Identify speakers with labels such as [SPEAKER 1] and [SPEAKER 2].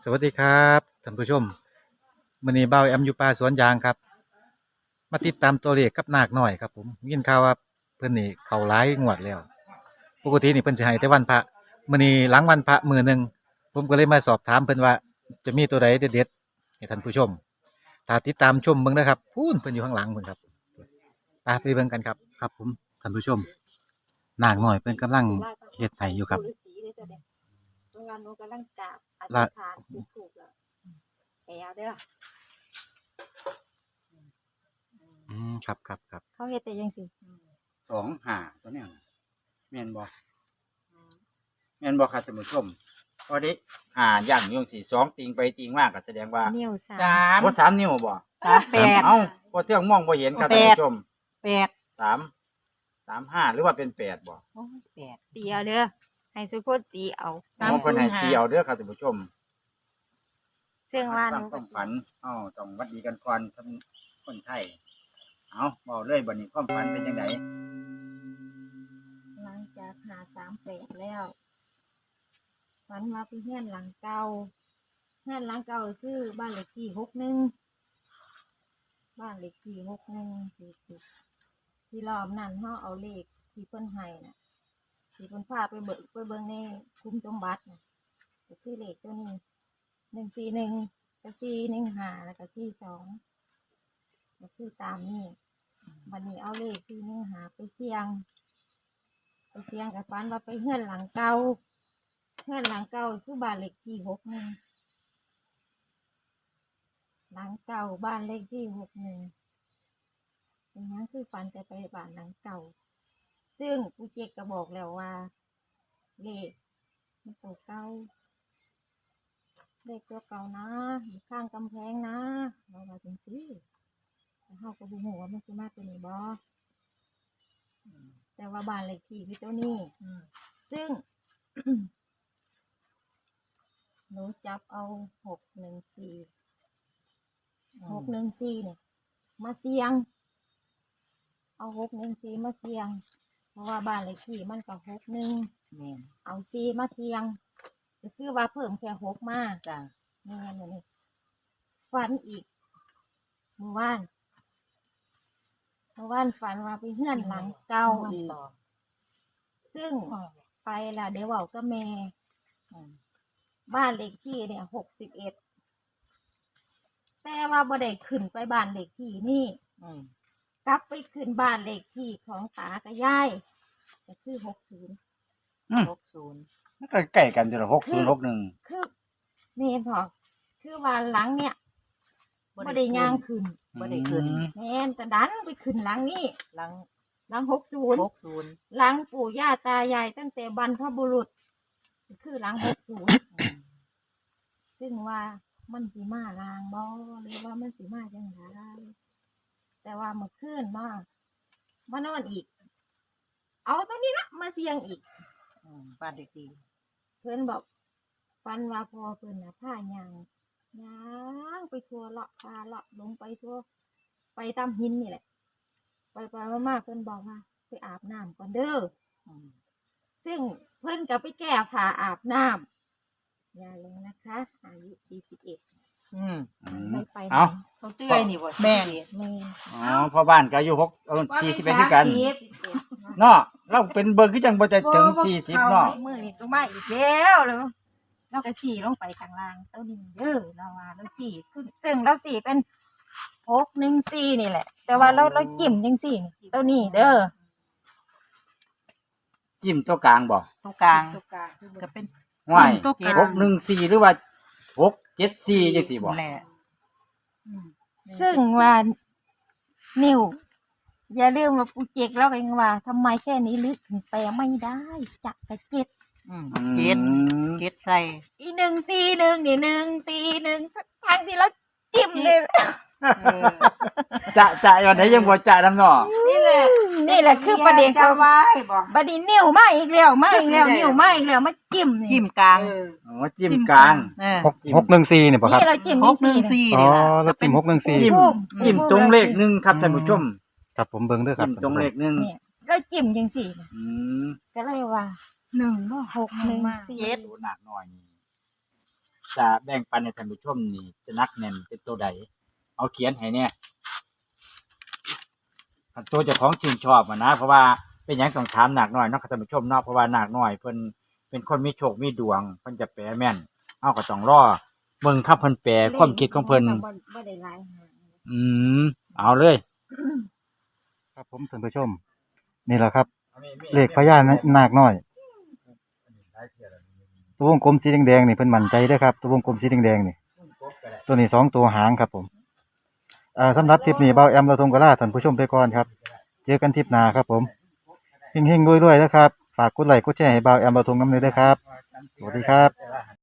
[SPEAKER 1] สวัสดีครับท่านผู้ชมมื้อนี้เบาแอมอยู่ป่าสวนยางครับมาติดตามตัวเลขกับนาคน้อยครับผมยินข่าวว่าเพิ่นนี่เข้าหลายงวดแล้วปกตินี่เพิ่นสิให้แต่วันพระมื้อนี้หลังวันพระมื้อหนึงผมก็เลยมาสอบถามเพิ่นว่าจะมีตัวใดเด็ดๆให้ท่านผู้ชมถ้าติดตามชมเบิ่งนะครับพูนเพิ่นอยู่ข้างหลังเพิ่นครับไปเบิ่งกันครับครับผมท่านผู้ชมนาคน้อยเพิ่นกำลังเฮ็ดให้อยู่ครับ
[SPEAKER 2] โรงงานโนกำลังกราบอธิ
[SPEAKER 1] ละ
[SPEAKER 2] ษฐานถูกแล้วแอบเด้อ
[SPEAKER 1] ครับ
[SPEAKER 2] เขาเฮ็ดแต่ยังสิ
[SPEAKER 3] 25ตัวเนี้ยแม่นบ่ครับท่านผู้ชมพอดีย่างอยู่จังซี่2ติงไปติงมาก็แสดงว่า
[SPEAKER 2] นิ้วสา
[SPEAKER 4] สาม ม
[SPEAKER 3] บ่3นิ้วบ่
[SPEAKER 4] 38
[SPEAKER 3] เอ้าบ่เทื่องมองบ่เห็นครับท่านผู้ชม
[SPEAKER 4] 8
[SPEAKER 3] 3 5หรือว่าเป็น8บ่
[SPEAKER 4] โอ้ย8
[SPEAKER 2] ตีเอาเด้อให้สุคนตีเอา
[SPEAKER 3] อ๋อเพิ่นให้เกี่ยวเด้อครับท่านผู้ชม
[SPEAKER 2] ซึ่งว่าห
[SPEAKER 3] ฟั
[SPEAKER 2] นู
[SPEAKER 3] งความฝันต้องหวัดดีกันก่อนท่านคนไทยเอาเว้าเลยบัดนี้ความฝันเป็นจังได
[SPEAKER 2] หลังจากหา38แล้วฝันว่าไปเฮือนหลังเก่าเฮือนหลังเก่าก็คือบ้านเลขที่61บ้านเลขที่61ที่รอบนั้นเฮาเอาเลขที่เพิ่นให้น่ะที่เพิ่นพาไปเบิ่งในคุ้มสมบัติน่ะก็คือเลขตัวนี้141กับ415แล้วก็42ก็คือตามนี้วันนี้เอาเลข415ไปเสี่ยงกับฝันว่าไปเฮือนหลังเก่าคือบ้านเลขที่61หลังเก่าบ้านเลขที่61เป็นหยังคือฝันแต่ไปบ้านหลังเก่าซึ่งกูเจกก็บอกแล้วว่าเลขมันตัวเก่าเลขตัวเก่านะอยู่ข้างกำแพงนะเราว่าจังซี่แต่เฮาก็บ่ฮู้ว่ามันสิมาตัวนี้บ่แต่ว่าบ้านเลขที่คือตัวนี้ซึ่ง หนูจับเอา614เนี่ยมาเสี่ยงเอา614มาเสี่ยงเพราะว่าบ้านเลขที่มันก็61
[SPEAKER 4] แม่น
[SPEAKER 2] เอา4มาเสี่ยงก็คือว่าเพิ่มแค่6มา
[SPEAKER 4] จ้ะ
[SPEAKER 2] นี่ไงนี่ฝันอีกเมื่อวานฝันว่าไปเฮือนหลังเก่าอีกซึ่งไปล่ะเดี๋ยวเว้ากับแม่บ้านเลขที่เนี่ย61แต่ว่าบ่ได้ขึ้นไปบ้านเลขที่นี่กลับไปขึ้นบ้านเลขที่ของตากับยายก็คือ60
[SPEAKER 4] 60
[SPEAKER 3] มันก็ใกล้กันจ้ะ6061
[SPEAKER 2] คือนี่พอคือว่าหลังเนี่ยบ่ได้ย่างขึ้น
[SPEAKER 4] บ่ได้ขึ้น
[SPEAKER 2] แม่นแต่ดันไปขึ้นหลังนี่
[SPEAKER 4] หลัง
[SPEAKER 2] หลัง60
[SPEAKER 4] 60
[SPEAKER 2] หลังปู่ย่าตายายตั้งแต่บรรพบุรุษคือหลัง60ซึ่งว่ามันสิมาลางบ่หรือว่ามันสิมาจังไดแต่ว่าเมื่อคืนมานอนอีก เอาตัวนี้ละมาเสี่ยงอีก
[SPEAKER 4] บ้านเด็กดี
[SPEAKER 2] เพิ่นบอกฟันว่าพอเพิ่นน่ะผ้ายางไปทั่วเลาะปลาเลาะลงไปทั่วไปตามหินนี่แหละไปมาๆเพิ่นบอกว่าไปอาบน้ำก่อนเด้อซึ่งเพิ่นก็ไปแก้ผ้าอาบน้ำอย่าลงนะคะอายุ41ไม่ไปไหน
[SPEAKER 3] เอา
[SPEAKER 4] เขาเตื้อยนี่บ่แม่น
[SPEAKER 2] แม่
[SPEAKER 3] อ๋อพ่อบ้านก็อายุ41คือกันเนาะเราเป็นเบิ่งคือจังบ่จะถึง40เนาะ
[SPEAKER 2] มื้อนี้ก็มาอีกแล้วเราก็ฉี่ลงไปข้างล่างเต้านี้เด้อเราว่าเราฉี่ขึ้นซึ่งเราฉี่เป็น614นี่แหละ แต่ว่าเราจิ้มจังซี่นี่เต้านี้เด้อ
[SPEAKER 3] จิ้มตัวกลางบ่
[SPEAKER 4] ตรงกลางก็เป็น
[SPEAKER 3] ห้วย
[SPEAKER 4] จิ้มตัวกลาง
[SPEAKER 3] 614หรือว่า674จังซี่บ่
[SPEAKER 4] แหละ
[SPEAKER 2] ซึ่งว่านิวอย่าลืมว่าปูเจกเราเองว่าทำไมแค่นี้ลึกถึงแปลไม่ได้จักกะเจ็ด
[SPEAKER 4] เจ็ดใส่
[SPEAKER 2] อี141นี่141ทั้งที่เราจิ้มเลย
[SPEAKER 3] จะวันไหนยังบ่จะนำเนาะ
[SPEAKER 2] นี่แหละคือประเด็นเขา
[SPEAKER 4] ไว้บ่
[SPEAKER 2] บัดนี้นิ้วมาอีกแล้วนิ้วมาอีกแล้วมาจิ้มนี่
[SPEAKER 4] จิ้มกลาง
[SPEAKER 3] อ๋อจิ้มกลาง
[SPEAKER 1] 614เนี่ยบ่ครับ
[SPEAKER 2] นี่เราจิ้มจังซี่
[SPEAKER 4] 614
[SPEAKER 1] อ๋อ
[SPEAKER 4] นี่ล่ะ
[SPEAKER 1] แล้วพิมพ์614
[SPEAKER 3] จิ้มจิ้มตรงเลขหนึ่งครับท่านผู้ชม
[SPEAKER 1] ครับผมเบิ่งเด้อครั
[SPEAKER 3] จิ้
[SPEAKER 1] บ
[SPEAKER 3] มตรงเลขหนึ่ง
[SPEAKER 2] เนี่ยเราจิ้มจังซี่
[SPEAKER 3] อืม
[SPEAKER 2] ก็เลยว่า1 6 1 4
[SPEAKER 4] เจ็ด
[SPEAKER 3] ดูหนักหน่อยนี่จะแบ่งปันให้ท่านผู้ชมนี่จะนักแน่นเป็นตัวใดเอาเขียนให้เนี่ยคันตัวเจ้าของชื่นชอบอะนะเพราะว่าเป็นหยังต้องถามนาคน้อยเนาะท่านผู้ชมเนาะเพราะว่านาคน้อยเพิ่นเป็นคนมีโชคมีดวงเพิ่นจะแปลแม่นเอาก็ต้องรอเบิ่งคำเพิ่นแปลความคิดของเพิ่น
[SPEAKER 2] บ่ได้หลายหาง
[SPEAKER 3] เอาเลย
[SPEAKER 1] ครับผมท่านผู้ชม นี่แหละครับ เลขพญานาคน้อย ตัววงกลมสีแดงๆนี่เพิ่นมั่นใจเด้อครับตัววงกลมสีแดงๆนี่ตัวนี้2ตัวหางครับผมสำหรับทริปนี้เบาแอมเราทงกะลาท่านผู้ชมไปก่อนครับเจอกันทริปหน้าครับผมเฮงๆรวยๆนะครับฝากกดไลค์กดแชร์ให้เบาแอมเราทงน้ำเลยเด้อครับสวัสดีครับ